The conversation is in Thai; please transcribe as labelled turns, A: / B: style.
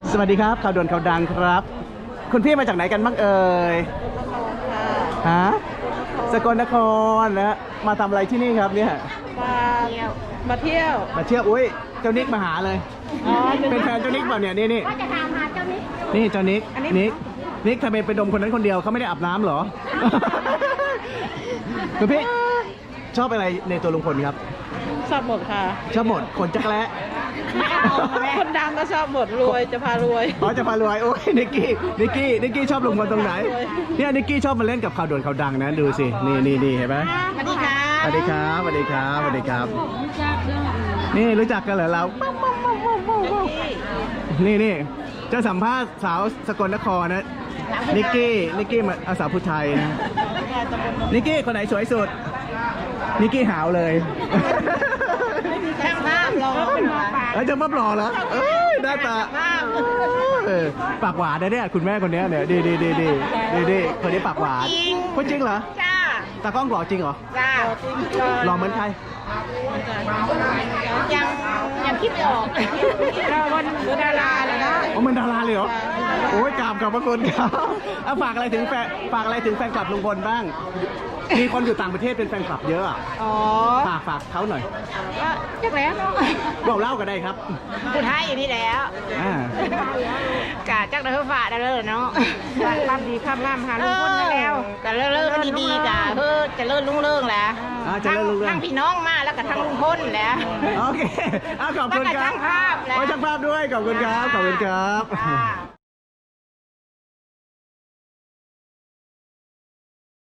A: สวัสดีครับข่าวด่วนข่าวดังครับคุณพี่มาจากไหนกันบ้างเอ่ยฮะสกลนครนะมาทำอะไรที่นี่ครับเนี่ย
B: มาเที่ยว
A: อุ้ยเจ้านิกมาหาเลยเป็นแฟนเจ้านิกเปล่าเนี่ยนี่
C: ก็จะถามหาเจ้านิก
A: นี่เจ้านิกนิกทำไมไปดมคนนั้นคนเดียวเขาไม่ได้อาบน้ำเหรอ คุณพี่ชอบอะไรในตัวลุงพลครับ
B: ชอบหมดค่ะ
A: ชอบหมดคนจักรแล้
B: คนดังก็ชอบหมดรวยจะพารวย
A: อ๋อจะพารวยโอ้ยนิกกี้ชอบลุงพลตรงไหนเนี่ยนิกกี้ชอบมาเล่นกับข่าวด่วนข่าวดังนะดูสินี่เห็นไหม
B: สวัสดีค่ะ
A: สวัสดีครับนี่รู้จักกันเหรอเรานี่จะสัมภาษณ์สาวสกลนครนะนิกกี้มาสาวผู้ไทยนะนิกกี้คนไหนสวยสุดนิกกี้หาวเลย
B: ช่างภาพรอ
A: จะมาปลอเหรอหน้าตาปากหวานนะเนี่ยคุณแม่คนนี้เนี่ยดีคนนี้ปากหวานพูดจริงเหรอ
B: จ้า
A: ตากล้องหล่อจริงเหรอ
B: จ้า
A: หล่อเหมือนใคร
B: ยังคิดไม่ออกเราวันดาราเลยนะ
A: อ๋อมันดาราเลยเหรอโอ้ยกราบขอบพระคุณครับฝากอะไรถึงแฟนคลับลุงพลบ้างมีคนอยู่ต่างประเทศเป็นแฟนคลับเยอะฝากเขาหน่อย
B: ก็จักแล้ว
A: บอกเล่ากันได้ครับ
B: พูดให้อยู่นี่แล้วกะจักเด้อฝ่าได้เลยเนาะความดีความงามหาลุงพลแล้วกะเลิศดีๆกะจะเลิศรุ่งเรืองแล้วทั้งพี่น้องมาแล้วก็ทั้งลุงพลแล้ว
A: โอเคขอบคุณครับช่างภาพด้วยขอบคุณครับ